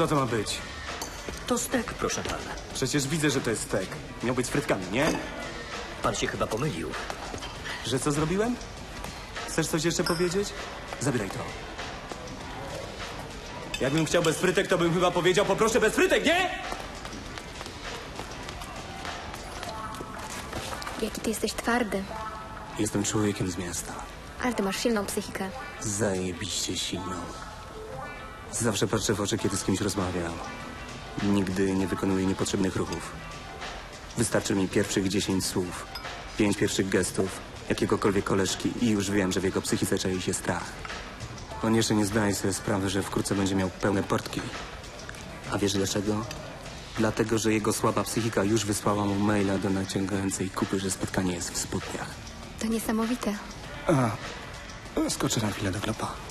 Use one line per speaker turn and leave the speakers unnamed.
Co to ma być?
To stek, proszę pana.
Przecież widzę, że to jest stek. Miał być z frytkami, nie?
Pan się chyba pomylił.
Że co zrobiłem? Chcesz coś jeszcze powiedzieć? Zabieraj to. Jakbym chciał bez frytek, to bym chyba powiedział poproszę bez frytek, nie?
Jaki ty jesteś twardy.
Jestem człowiekiem z miasta.
Ale ty masz silną psychikę.
Zajebiście silną. Zawsze patrzę w oczy, kiedy z kimś rozmawiam. Nigdy nie wykonuję niepotrzebnych ruchów. Wystarczy mi pierwszych 10 słów, 5 pierwszych gestów, jakiegokolwiek koleżki i już wiem, że w jego psychice czai się strach. On jeszcze nie zdaje sobie sprawy, że wkrótce będzie miał pełne portki. A wiesz dlaczego? Dlatego, że jego słaba psychika już wysłała mu maila do naciągającej kupy, że spotkanie jest w spodniach.
To niesamowite.
Skoczę na chwilę do klopa.